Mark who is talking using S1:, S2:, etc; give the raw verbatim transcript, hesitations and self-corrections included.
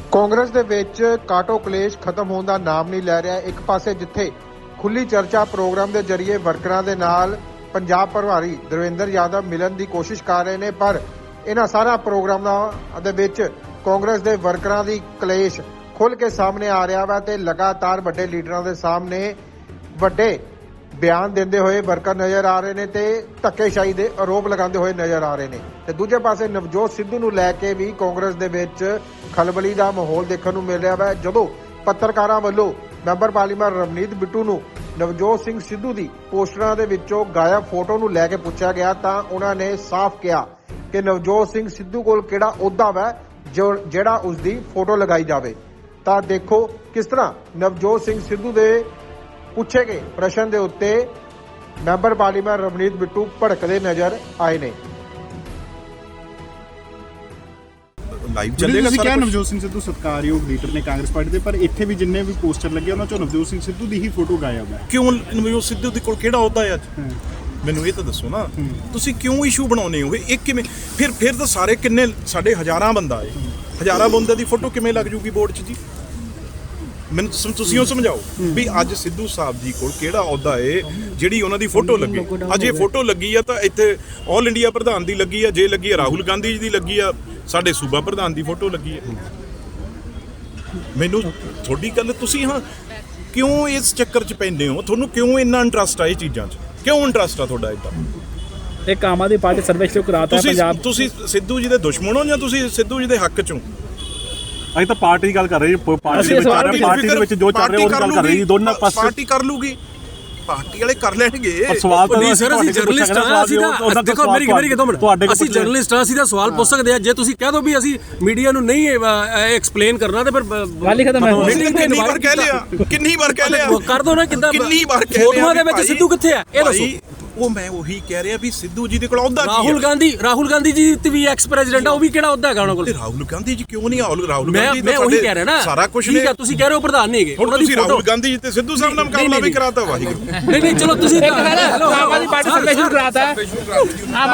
S1: ਕਾਂਗਰਸ ਦੇ ਵਿੱਚ ਕਾਟੋ ਕਲੇਸ਼ ਖਤਮ ਹੋਣ ਦਾ ਨਾਮ ਨਹੀਂ ਲੈ ਰਿਹਾ। ਇੱਕ ਪਾਸੇ ਜਿੱਥੇ ਖੁੱਲੀ ਚਰਚਾ ਪ੍ਰੋਗਰਾਮ ਦੇ ਜ਼ਰੀਏ ਵਰਕਰਾਂ ਦੇ ਨਾਲ ਪੰਜਾਬ ਪ੍ਰਭਾਰੀ ਦਰਵਿੰਦਰ ਯਾਦਵ ਮਿਲਣ ਦੀ ਕੋਸ਼ਿਸ਼ ਕਰ ਰਹੇ ਨੇ, ਪਰ ਇਹਨਾਂ ਸਾਰਾ ਪ੍ਰੋਗਰਾਮਾਂ ਦੇ ਵਿੱਚ ਕਾਂਗਰਸ ਦੇ ਵਰਕਰਾਂ ਦੀ ਕਲੇਸ਼ ਖੁੱਲ ਕੇ ਸਾਹਮਣੇ ਆ ਰਿਹਾ ਵਾ ਤੇ ਲਗਾਤਾਰ ਵੱਡੇ ਲੀਡਰਾਂ ਦੇ ਸਾਹਮਣੇ ਵੱਡੇ ਬਿਆਨ ਦਿੰਦੇ ਹੋਏ ਵਰਕਰ ਨਜ਼ਰ ਆ ਰਹੇ ਨੇ ਤੇ ਧੱਕੇਸ਼ਾਹੀ ਦੇ ਆਰੋਪ ਲਗਾਉਂਦੇ ਹੋਏ ਨਜ਼ਰ ਆ ਰਹੇ ਨੇ। ਤੇ ਦੂਜੇ ਪਾਸੇ ਨਵਜੋਤ ਸਿੱਧੂ ਨੂੰ ਲੈ ਕੇ ਵੀ ਕਾਂਗਰਸ ਦੇ ਵਿੱਚ ਖਲਬਲੀ ਦਾ ਮਾਹੌਲ ਦੇਖਣ ਨੂੰ ਮਿਲ ਰਿਹਾ ਹੈ। ਜਦੋਂ ਪੱਤਰਕਾਰਾਂ ਵੱਲੋਂ ਮੈਂਬਰ ਪਾਰਲੀਮੈਂਟ ਰਵਨੀਤ ਬਿੱਟੂ ਨੂੰ ਨਵਜੋਤ ਸਿੰਘ ਸਿੱਧੂ ਦੀ ਪੋਸਟਰਾਂ ਦੇ ਵਿੱਚੋਂ ਗਾਇਬ ਫੋਟੋ ਨੂੰ ਲੈ ਕੇ ਪੁੱਛਿਆ ਗਿਆ ਤਾਂ ਉਹਨਾਂ ਨੇ ਸਾਫ਼ ਕਿਹਾ ਕਿ ਨਵਜੋਤ ਸਿੰਘ ਸਿੱਧੂ ਕੋਲ ਕਿਹੜਾ ਅਹੁਦਾ ਵਾ ਜੋ ਜਿਹੜਾ ਉਸ ਦੀ ਫੋਟੋ ਲਗਾਈ ਜਾਵੇ। ਤਾਂ ਦੇਖੋ ਕਿਸ ਤਰ੍ਹਾਂ ਨਵਜੋਤ ਸਿੰਘ ਸਿੱਧੂ ਦੇ ਪੁੱਛੇ ਗਏ ਪ੍ਰਸ਼ਨ ਦੇ ਉੱਤੇ ਮੈਂਬਰ ਪਾਰਲੀਮੈਂਟ ਰਵਨੀਤ ਬਿੱਟੂ ਭੜਕਦੇ ਨਜ਼ਰ ਆਏ ਨੇ।
S2: ਲਾਈਵ ਚੱਲੇਗਾ
S3: ਸਾਰਾ ਕੁਝ। ਨਵਜੋਤ ਸਿੰਘ ਸਿੱਧੂ ਸਤਿਕਾਰਯੋਗ ਲੀਡਰ ਨੇ ਕਾਂਗਰਸ ਪਾਰਟੀ ਦੇ, ਪਰ ਇੱਥੇ ਵੀ ਜਿੰਨੇ ਵੀ ਪੋਸਟਰ ਲੱਗੇ ਉਹਨਾਂ ਚੋਂ ਨਵਜੋਤ ਸਿੰਘ ਸਿੱਧੂ ਦੀ ਹੀ ਫੋਟੋ ਗਾਇਬ ਹੈ।
S2: ਕਿਉਂ ਨਵਜੋਤ ਸਿੱਧੂ ਦੇ ਕੋਲ ਕਿਹੜਾ ਅਹੁਦਾ ਹੈ ਅੱਜ? ਮੈਨੂੰ ਇਹ ਤਾਂ ਦੱਸੋ ਨਾ, ਤੁਸੀਂ ਕਿਉਂ ਇਸ਼ੂ ਬਣਾਉਨੇ ਹੋਗੇ? ਇੱਕ ਕਿਵੇਂ ਫਿਰ ਫਿਰ ਤਾਂ ਸਾਰੇ ਕਿੰਨੇ ਸਾਡੇ ਹਜ਼ਾਰਾਂ ਬੰਦਾ ਹੈ, ਹਜ਼ਾਰਾਂ ਬੰਦੇ ਦੀ ਫੋਟੋ ਕਿਵੇਂ ਲੱਗ ਜੂਗੀ ਬੋਰਡ 'ਚ ਜੀ? ਮੈਨੂੰ ਤੁਸੀਂ ਉਹ ਸਮਝਾਓ ਵੀ ਅੱਜ ਸਿੱਧੂ ਸਾਹਿਬ ਜੀ ਕੋਲ ਕਿਹੜਾ ਅਹੁਦਾ ਏ ਜਿਹੜੀ ਉਹਨਾਂ ਦੀ ਫੋਟੋ ਲੱਗੇ। ਅੱਜ ਇਹ ਫੋਟੋ ਲੱਗੀ ਆ ਤਾਂ ਇੱਥੇ ਆਲ ਇੰਡੀਆ ਪ੍ਰਧਾਨ ਦੀ ਲੱਗੀ ਆ, ਜੇ ਲੱਗੀ ਆ ਰਾਹੁਲ ਗਾਂਧੀ ਜੀ ਦੀ ਲੱਗੀ ਆ, ਸਾਡੇ ਸੂਬਾ ਪ੍ਰਧਾਨ ਦੀ ਫੋਟੋ ਲੱਗੀ ਆ। ਮੈਨੂੰ ਤੁਹਾਡੀ ਗੱਲ ਤੁਸੀਂ ਹਾਂ ਕਿਉਂ ਇਸ ਚੱਕਰ 'ਚ ਪੈਂਦੇ ਹੋ? ਤੁਹਾਨੂੰ ਕਿਉਂ ਇੰਨਾ ਇੰਟਰਸਟ ਆ ਇਹ ਚੀਜ਼ਾਂ 'ਚ? ਕਿਉਂ ਇੰਟਰਸਟ ਆ ਤੁਹਾਡਾ ਇਦਾਂ?
S4: ਇੱਕ ਆਮ ਆਦਮੀ ਪਾਰਟੀ ਸਰਵੇ ਸ਼ੁਰੂ ਕਰਾਤਾ ਪੰਜਾਬ।
S2: ਤੁਸੀਂ ਸਿੱਧੂ ਜੀ ਦੇ ਦੁਸ਼ਮਣ ਹੋ ਜਾਂ ਤੁਸੀਂ ਸਿੱਧੂ ਜੀ ਦੇ ਹੱਕ 'ਚੋਂ?
S3: ਅਸੀਂ ਤਾਂ ਪਾਰਟੀ ਦੀ ਗੱਲ ਕਰ ਰਹੇ ਹਾਂ। ਪਾਰਟੀ ਦੇ ਵਿੱਚ ਪਾਰਟੀ ਦੇ ਵਿੱਚ ਜੋ ਚੱਲ ਰਿਹਾ ਉਹ ਗੱਲ ਕਰ ਰਹੇ ਜੀ। ਦੋਨਾਂ ਪਾਸੇ
S2: ਪਾਰਟੀ ਕਰ ਲੂਗੀ, ਪਾਰਟੀ ਵਾਲੇ ਕਰ ਲੈਣਗੇ।
S3: ਪਰ ਸਵਾਲ ਤਾਂ
S5: ਨਹੀਂ ਸਰ, ਅਸੀਂ ਜਰਨਲਿਸਟ ਹਾਂ। ਅਸੀਂ ਤਾਂ ਦੇਖੋ ਮੇਰੀ ਮੇਰੀ ਕਿਦੋਂ ਮਿੰਟ ਅਸੀਂ ਜਰਨਲਿਸਟ ਹਾਂ, ਅਸੀਂ ਤਾਂ ਸਵਾਲ ਪੁੱਛ ਸਕਦੇ ਹਾਂ। ਜੇ ਤੁਸੀਂ ਕਹਿ ਦੋ ਵੀ ਅਸੀਂ ਮੀਡੀਆ ਨੂੰ ਨਹੀਂ ਐਕਸਪਲੇਨ ਕਰਨਾ ਤੇ ਫਿਰ
S4: ਗੱਲ ਹੀ ਖਤਮ ਹੈ।
S2: ਕਿੰਨੀ ਵਾਰ ਕਹਿ ਲਿਆ, ਕਿੰਨੀ ਵਾਰ ਕਹਿ ਲਿਆ,
S5: ਕਰ ਦੋ ਨਾ। ਕਿੱਦਾਂ
S2: ਕਿੰਨੀ ਵਾਰ ਕਹਿ ਲਿਆ?
S5: ਫੋਟੋਆਂ ਦੇ ਵਿੱਚ ਸਿੱਧੂ ਕਿੱਥੇ ਆ ਇਹ ਦੱਸੋ।
S2: ਉਹ ਮੈਂ ਉਹੀ ਕਹਿ ਰਿਹਾ ਵੀ ਸਿੱਧੂ ਜੀ ਦੇ ਕੋਲ ਅਹੁਦਾ ਕੀ ਹੈ?
S5: ਰਾਹੁਲ ਗਾਂਧੀ ਰਾਹੁਲ ਗਾਂਧੀ ਜੀ ਤੇ ਵੀ ਐਕਸ ਪ੍ਰੈਜ਼ੀਡੈਂਟ ਆ, ਉਹ ਵੀ ਕਿਹੜਾ ਅਹੁਦਾ ਹੈਗਾ ਉਹਨਾਂ ਕੋਲ?
S2: ਰਾਹੁਲ ਗਾਂਧੀ ਜੀ ਕਿਉਂ ਨਹੀਂ? ਰਾਹੁਲ ਰਾਹੁਲ
S5: ਮੈਂ
S2: ਗਾਂਧੀ
S5: ਮੈਂ ਉਹੀ ਕਹਿ ਰਿਹਾ ਨਾ,
S2: ਸਾਰਾ ਕੁਝ
S5: ਠੀਕ ਹੈ। ਤੁਸੀਂ ਕਹਿ ਰਹੇ ਹੋ ਪ੍ਰਧਾਨ ਨਹੀਂ ਹੈਗੇ,
S2: ਉਹਨਾਂ ਦੀ ਰਾਹੁਲ ਗਾਂਧੀ ਜੀ ਤੇ ਸਿੱਧੂ ਸਾਹਿਬ ਨਾਲ ਮੁਕਾਬਲਾ ਵੀ ਕਰਾਤਾ। ਵਾਹਿਗੁਰੂ
S5: ਨਹੀਂ ਨਹੀਂ ਚਲੋ ਤੁਸੀਂ
S4: ਆਮ ਆਦਮੀ ਪਾਰਟੀ ਸਰਵੇ ਸ਼ੁਰੂ ਕਰਾਤਾ।